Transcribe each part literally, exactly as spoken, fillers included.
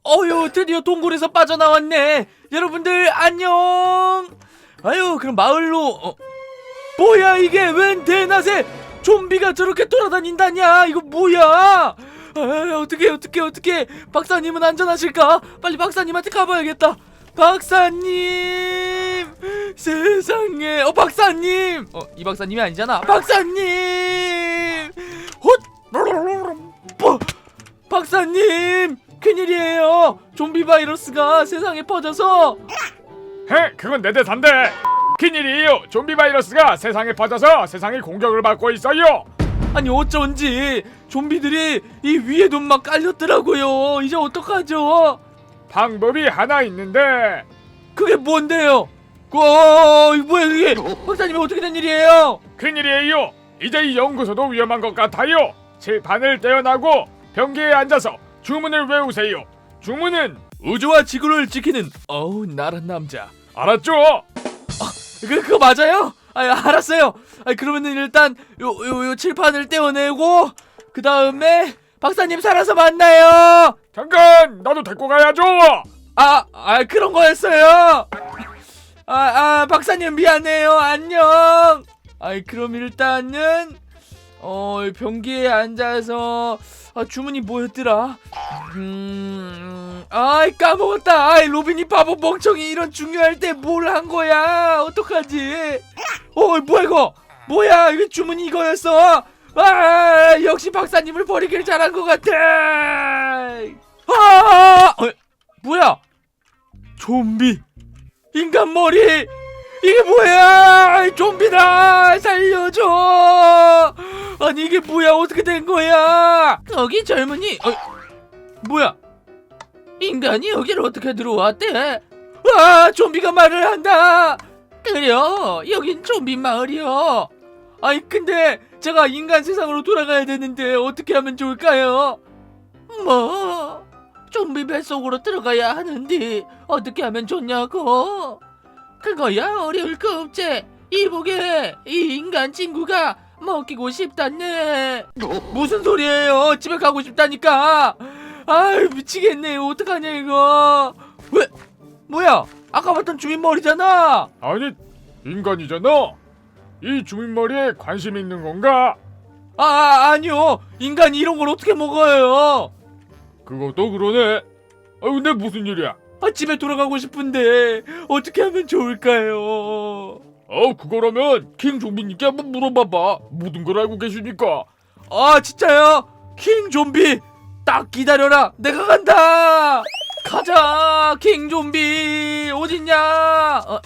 어휴, 드디어 동굴에서 빠져나왔네. 여러분들 안녕. 아유, 그럼 마을로. 어, 뭐야 이게? 웬 대낮에 좀비가 저렇게 돌아다닌다냐? 이거 뭐야? 아, 어떡해 어떡해 어떡해. 박사님은 안전하실까? 빨리 박사님한테 가봐야겠다. 박사님, 세상에. 어, 박사님. 어, 이 박사님이 아니잖아. 박사님. 헛. 뭐? 박사님, 큰일이에요. 좀비 바이러스가 세상에 퍼져서. 헤, 그건 내 대사인데. 큰일이에요. 좀비 바이러스가 세상에 퍼져서 세상이 공격을 받고 있어요. 아니 어쩐지 좀비들이 이 위에도 막 깔렸더라고요. 이제 어떡하죠? 방법이 하나 있는데. 그게 뭔데요? 어, 이거 뭐야 이게? 박사님 어떻게 된 일이에요? 큰일이에요. 이제 이 연구소도 위험한 것 같아요. 칠판을 떼어나고 변기에 앉아서 주문을 외우세요. 주문은 우주와 지구를 지키는 어우 나란 남자. 알았죠? 그, 그거 맞아요? 아, 알았어요. 아, 그러면은 일단 요, 요, 요 칠판을 떼어내고 그 다음에 박사님 살아서 만나요. 잠깐, 나도 데리고 가야죠. 아, 아 그런 거였어요. 아, 아 박사님 미안해요. 안녕. 아이 그럼 일단은 어 변기에 앉아서 아, 주문이 뭐였더라? 음, 아이 까먹었다. 아이 로빈이 바보 멍청이 이런 중요할 때 뭘 한 거야? 어떡하지? 어 뭐야 이거? 뭐야 이거 주문이 이거였어? 아 역시 박사님을 버리길 잘한 것 같아. 아, 어, 뭐야? 좀비, 인간 머리. 이게 뭐야? 좀비다! 살려줘! 아니 이게 뭐야? 어떻게 된 거야? 거기 젊은이. 어, 뭐야? 인간이 여기를 어떻게 들어왔대? 아, 좀비가 말을 한다. 그래요, 여긴 좀비 마을이요. 아니 근데 제가 인간 세상으로 돌아가야 되는데 어떻게 하면 좋을까요? 뭐? 좀비 뱃속으로 들어가야 하는데 어떻게 하면 좋냐고? 그거야 어려울 거 없지. 이보게, 이 인간 친구가 먹이고 싶다네. 무슨 소리예요? 집에 가고 싶다니까. 아유 미치겠네. 어떡하냐 이거. 왜? 뭐야? 아까 봤던 주민 머리잖아. 아니, 인간이잖아. 이 주민 머리에 관심 있는 건가? 아, 아 아니요. 인간이 이런 걸 어떻게 먹어요? 그것도 그러네. 아, 근데 무슨 일이야? 아, 집에 돌아가고 싶은데 어떻게 하면 좋을까요? 어, 그거라면 킹 좀비님께 한번 물어봐봐. 모든 걸 알고 계시니까. 아 진짜요? 킹 좀비 딱 기다려라. 내가 간다. 가자 킹 좀비. 어딨냐? 어,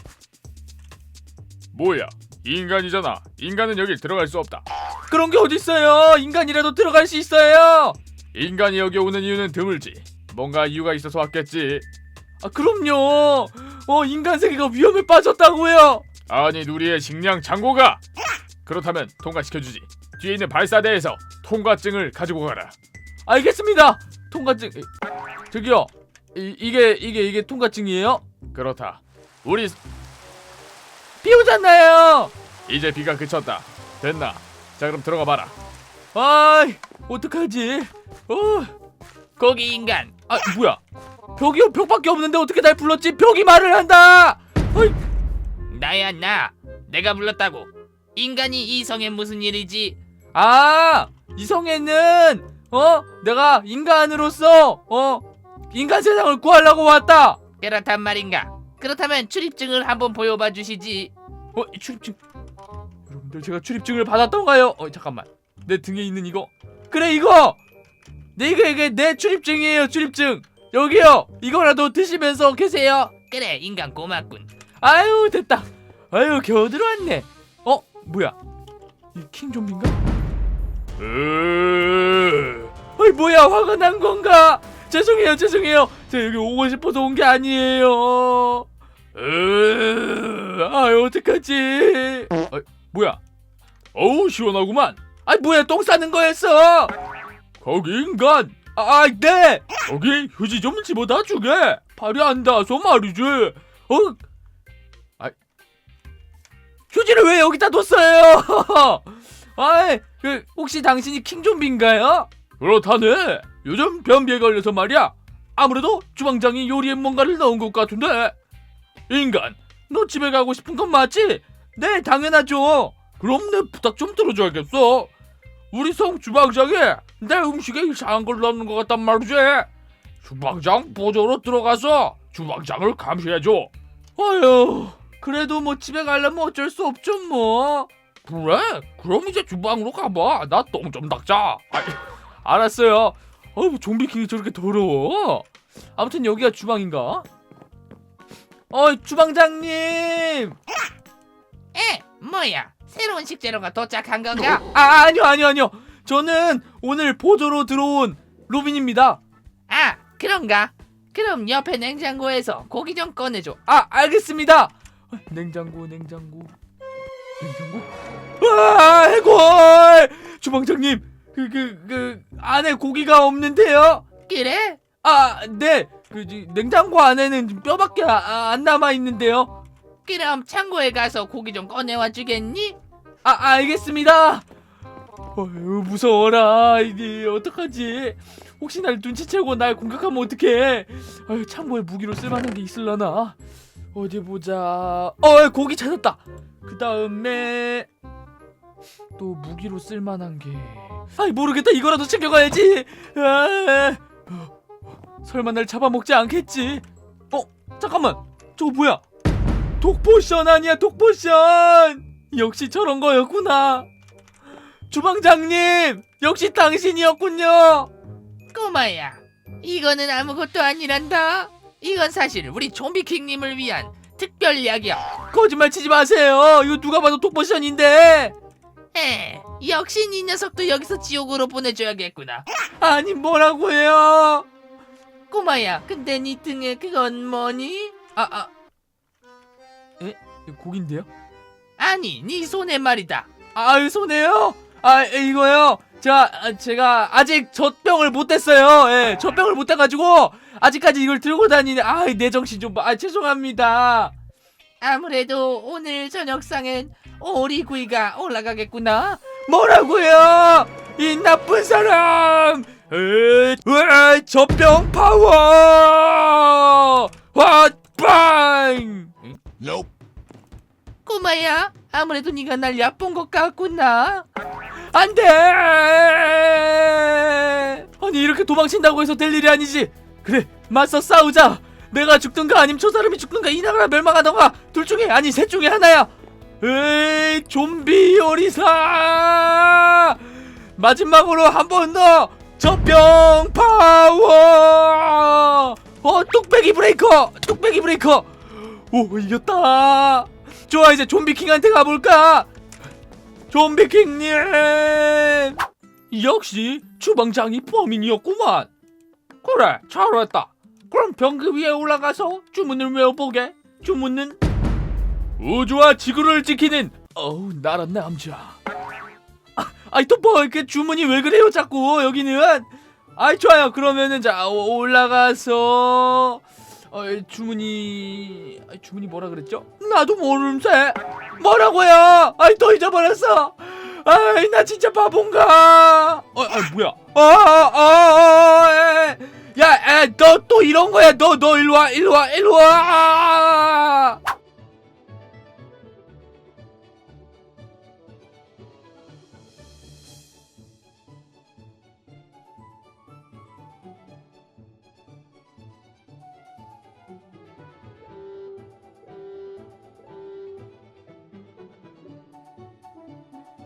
뭐야? 인간이잖아. 인간은 여길 들어갈 수 없다. 그런 게 어딨어요? 인간이라도 들어갈 수 있어요. 인간이 여기 오는 이유는 드물지. 뭔가 이유가 있어서 왔겠지. 아 그럼요. 어 인간 세계가 위험에 빠졌다고요. 아니, 우리의 식량 창고가. 그렇다면 통과시켜주지. 뒤에 있는 발사대에서 통과증을 가지고 가라. 알겠습니다. 통과증. 저기요. 이, 이게 이게 이게 통과증이에요? 그렇다. 우리 비 오잖아요. 이제 비가 그쳤다. 됐나? 자, 그럼 들어가 봐라. 아이 어떡하지? 어 거기 인간, 아 뭐야? 벽이요? 벽밖에 없는데 어떻게 날 불렀지? 벽이 말을 한다. 어이. 나야 나. 내가 불렀다고. 인간이 이 성에 무슨 일이지? 아 이성애는 어 내가 인간으로서 어 인간 세상을 구하려고 왔다. 그렇단 말인가? 그렇다면 출입증을 한번 보여봐 주시지. 어 이 출입증. 여러분들 제가 출입증을 받았던가요? 어 잠깐만. 내 등에 있는 이거. 그래 이거. 네 이게 이게 내 출입증이에요. 출입증. 여기요. 이거라도 드시면서 계세요. 그래, 인간 고맙군. 아유 됐다. 아유 겨우 들어왔네. 어 뭐야? 이 킹 좀비인가? 으... 아이 뭐야 화가 난 건가? 죄송해요 죄송해요. 제가 여기 오고 싶어서 온 게 아니에요. 으... 아유 어떡하지? 아, 뭐야? 어우, 시원하구만. 아이 뭐야 똥 싸는 거였어. 거기 인간. 아 네. 거기 휴지 좀 집어다 주게. 발이 안 닿아서 말이지. 어? 아 휴지를 왜 여기다 뒀어요? 아이 그 혹시 당신이 킹 좀비인가요? 그렇다네. 요즘 변비에 걸려서 말이야. 아무래도 주방장이 요리에 뭔가를 넣은 것 같은데. 인간, 너 집에 가고 싶은 건 맞지? 네, 당연하죠. 그럼 내 부탁 좀 들어줘야겠어. 우리 성 주방장이 내 음식에 이상한 걸 넣는 것 같단 말이지. 주방장 보조로 들어가서 주방장을 감시해줘. 아휴, 그래도 뭐 집에 가려면 어쩔 수 없죠 뭐. 그래? 그럼 이제 주방으로 가봐. 나 똥 좀 닦자. 아이, 알았어요. 어우, 좀비킹이 저렇게 더러워. 아무튼 여기가 주방인가? 어이, 주방장님. 에? 뭐야? 새로운 식재료가 도착한 건가? 아, 아니요 아니요 아니요. 저는 오늘 보조로 들어온 로빈입니다. 아, 그런가? 그럼 옆에 냉장고에서 고기 좀 꺼내줘. 아, 알겠습니다. 냉장고 냉장고 냉장고. 아, 해골. 주방장님, 그 그 그 안에 고기가 없는데요. 그래? 아, 네. 그 지- 냉장고 안에는 뼈밖에 아, 안 남아 있는데요. 그럼 창고에 가서 고기 좀 꺼내와 주겠니? 아, 알겠습니다. 어휴, 무서워라. 이게 어떡하지? 혹시 날 눈치채고 날 공격하면 어떡해? 아유, 창고에 무기로 쓸만한 게 있을라나? 어디 보자. 어, 고기 찾았다. 그 다음에 또 무기로 쓸만한 게. 아이, 모르겠다. 이거라도 챙겨가야지. 아, 어, 설마 날 잡아먹지 않겠지? 어, 잠깐만. 저거 뭐야? 독포션 아니야, 독포션. 역시 저런 거였구나. 주방장님, 역시 당신이었군요. 꼬마야, 이거는 아무것도 아니란다. 이건 사실 우리 좀비킹님을 위한 특별 약이야. 거짓말 치지 마세요. 이거 누가 봐도 독포션인데. 에, 역시 이 녀석도 여기서 지옥으로 보내줘야겠구나. 아니, 뭐라고요? 꼬마야, 근데 네 등에 그건 뭐니? 아, 아. 에? 이거 고기인데요? 아니, 네 손에 말이다. 아, 손해요? 아, 이거요. 제가 아, 제가 아직 젖병을 못 댔어요. 예, 젖병을 못 대가지고 아직까지 이걸 들고 다니네. 아, 내 정신 좀 봐. 아, 죄송합니다. 아무래도 오늘 저녁상엔 오리구이가 올라가겠구나. 뭐라고요? 이 나쁜 사람! 에이, 으이, 젖병 파워! 헛빵! 꼬마야, 아무래도 네가 날 얕본 것 같구나. 안 돼! 아니, 이렇게 도망친다고 해서 될 일이 아니지. 그래, 맞서 싸우자. 내가 죽든가 아니면 저 사람이 죽든가 이 나라가 멸망하던가 둘 중에, 아니 셋 중에 하나야. 에이, 좀비 요리사! 마지막으로 한 번 더 젖병 파워! 어, 뚝배기 브레이커! 뚝배기 브레이커! 오, 이겼다. 좋아, 이제 좀비킹한테 가볼까? 좀비킹님! 역시 주방장이 범인이었구만. 그래, 잘했다. 그럼 병기 위에 올라가서 주문을 외워보게. 주문은 우주와 지구를 지키는 어우 나란 남자. 아, 아이 또 뭐 이렇게 주문이 왜 그래요 자꾸 여기는. 아이 좋아요. 그러면은 자 오- 올라가서 어, 주문이 아이, 주문이 뭐라 그랬죠? 나도 모름새. 뭐라고요? 아이 또 잊어버렸어. 아이 나 진짜 바본가? 어, 아 뭐야? 아아아 야, 너 또 이런 거야? 너 너 일로 와, 일로 와, 일로 와.